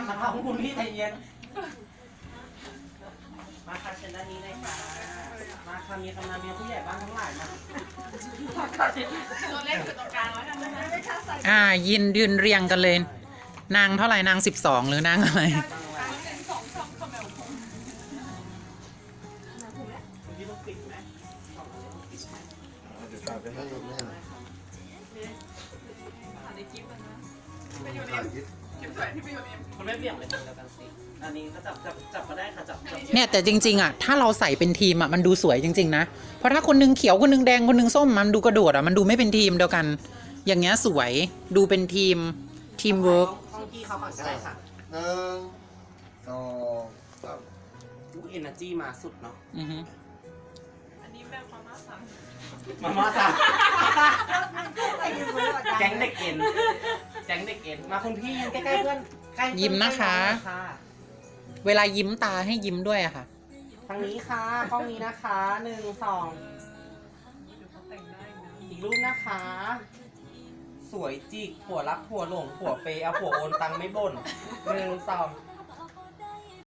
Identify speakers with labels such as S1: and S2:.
S1: ดนะคะคุณพี่ใจเย็นมาค่ะเชิญด้านนี้เลยค่ะมาค่ะมีกำนันมีผู้ใหญ่บ้านทั้งหลายมาตัวเล็กอยู่ตรงกลางแล้วกันนะ
S2: ยืนเรียงกันเลยนางเท่าไหร่นาง12หรือนางอะไร
S1: คุณไม่เบี่ยงเลยเดียวกันสิอันนี้ก็จับมาได้ค่ะจับ
S2: เนี่ยแต่จริงๆถ้าเราใส่เป็นทีมมันดูสวยจริงๆนะเพราะถ้าคนนึงเขียวคนนึงแดงคนนึงส้มมันดูกระโดดมันดูไม่เป็นทีมเดียวกันอย่างเงี้ยสวยดูเป็นทีมเวิร์ก
S1: ต้องที่เขาก่อนก็ได้ค่ะ
S3: 1 2 3
S1: ลูกเอเนอร์จีมาสุดเนาะ
S4: อันนี้แบบมาม่าสั่ง
S1: แก๊งเด็กเอ็นมาคุณพี่ยืนใกล้ๆเพื่อน
S2: ยิ้มนะคะเวลายิ้มตาให้ยิ้มด้วยอะค่ะ
S1: ทางนี้ค่ะกล้องนี้นะคะ1 2อีกรูปนะคะสวยจิกผัวรักผัวหลงผัวเปย์เอาผัวโอนตังไม่บ่น1 2